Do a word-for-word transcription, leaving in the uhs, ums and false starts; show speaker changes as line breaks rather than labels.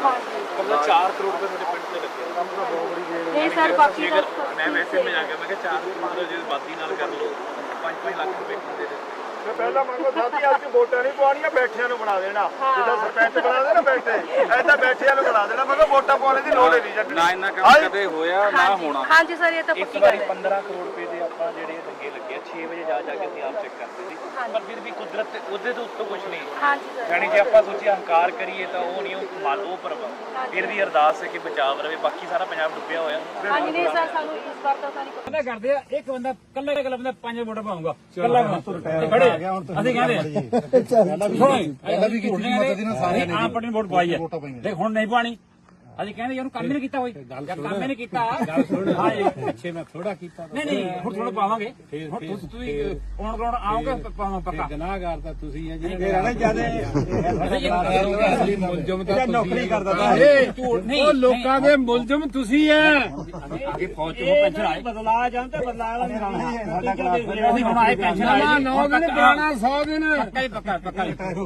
मतलब चार करोड़ रुपए ਤੁਹਾਡੇ ਪਿੰਡ ਤੇ ਲੱਗੇ
नहीं सर बाकी का
मैं वैसे में जाके मैं चार करोड़ ਜੇ ਬਾਦੀ ਨਾਲ ਕਰ ਲਓ पाँच पाँच ਲੱਖ ਰੁਪਏ ਦੇ ਦੇ
ਪਹਿਲਾਂ ਮੰਗੋ ਸਾਥੀ ਅੱਜ ਵੋਟਾਂ ਨਹੀਂ ਪਵਾਉਣੀਆਂ ਬੈਠਿਆਂ ਨੂੰ ਬਣਾ ਦੇਣਾ ਜਿੱਦਾਂ ਸਰਪੰਚ ਬਣਾ ਦੇਣਾ ਬੈਠੇ ਐਦਾਂ ਬੈਠਿਆਂ ਨੂੰ ਬਣਾ ਦੇਣਾ ਮੈਂ ਕਿਹਾ ਵੋਟਾਂ ਪਾਉਣ ਦੀ ਲੋੜ ਹੀ ਨਹੀਂ ਜੱਟ
ਨਾ ਇੰਨਾ ਕੰਮ ਕਦੇ ਹੋਇਆ ਨਾ ਹੋਣਾ
हाँ जी सर ये तो
ਇਸ ਵਾਰੀ पंद्रह ਕਰੋੜ ਰੁਪਏ ਦੇ ਆਪਾਂ ਜਿਹੜੇ ਲੱਗੇ ਲੱਗੇ ਛੇ ਵਜੇ ਜਾ ਜਾ ਕੇ ਅਸੀਂ ਆਪ ਚੈੱਕ ਕਰਦੇ ਸੀ ਪਰ ਫਿਰ ਵੀ ਕੁਦਰਤ ਉਹਦੇ ਤੋਂ ਉੱਤੋਂ ਕੁਝ ਨਹੀਂ
हाँ जी सर
ਜਾਨੀ ਜੇ ਆਪਾਂ ਸੋਚੀਏ ਹੰਕਾਰ ਕਰੀਏ ਤਾਂ ਉਹ ਨਹੀਂ ਉਹ ਮਾਲ ਉਹ ਪਰਵਾ ਫਿਰ ਵੀ ਅਰਦਾਸ ਹੈ ਕਿ ਬਚਾਵ ਰਵੇ ਬਾਕੀ ਸਾਰਾ ਪੰਜਾਬ ਡੁੱਬਿਆ ਹੋਇਆ
हाँ जी नहीं सर सानू इस बार तो सारी
ਪਤਾ ਕਰਦੇ ਆ ਇੱਕ ਬੰਦਾ ਕੱਲਾ ਕੱਲਾ ਬੰਦਾ ਪੰਜ ਵੋਟ ਪਾਉਂਗਾ ਕੱਲਾ ਖੜੇ ਅਸੀਂ ਕਹਿੰਦੇ ਪਹਿਲਾਂ ਵੀ ਕੀਤੀ ਮਦਦ ਇਹਨਾਂ ਸਾਰਿਆਂ ਨੇ ਆਪ ਪਾਰਟੀ ਵੋਟ ਪਾਈ ਹੈ ਦੇਖ ਹੁਣ ਨਹੀਂ ਪਾਣੀ ਅਸੀਂ ਕਹਿੰਦੇ ਇਹਨੂੰ ਕੰਮ ਹੀ ਨਹੀਂ ਕੀਤਾ ਹੋਈ ਜਾਂ ਕੰਮ ਹੀ ਨਹੀਂ ਕੀਤਾ ਗੱਲ ਸੁਣ ਹਾਂ ਪਿੱਛੇ ਮੈਂ ਥੋੜਾ ਕੀਤਾ ਨਹੀਂ ਨਹੀਂ ਹੁਣ ਥੋੜਾ ਪਾਵਾਂਗੇ ਹੁਣ ਤੁਸੀਂ ਤੁਸੀਂ ਕੌਣ ਕੌਣ ਆਓਗੇ ਪਾਵਾਂ ਪੱਕਾ ਗੁਨਾਹਗਾਰ ਤਾਂ ਤੁਸੀਂ ਆ ਜਿਹੜੇ ਰਹਿਣਾ ਚਾਹਦੇ ਅਸਲੀ ਮੁਲਜ਼ਮ ਤਾਂ ਨੌਕਰੀ ਕਰਦਾ ਇਹ ਝੂਠ ਨਹੀਂ ਉਹ ਲੋਕਾਂ ਦੇ ਮੁਲਜ਼ਮ ਤੁਸੀਂ ਆ ਅੱਗੇ ਫੌਜ ਤੋਂ ਪੈਨਸ਼ਨ ਆਏ ਬਦਲਾ ਜਾਂਦੇ ਬਦਲਾ ਵਾਲਾ ਨਹੀਂ ਰਹਿਣਾ ਸਾਡਾ ਅਸੀਂ ਹੁਣ ਆਏ ਪੈਨਸ਼ਨ ਆਏ ਨੌ ਦਿਨ ਪੁਰਾਣਾ ਸੌ ਦਿਨ ਪੱਕਾ ਹੀ ਪੱਕਾ ਪੱਕਾ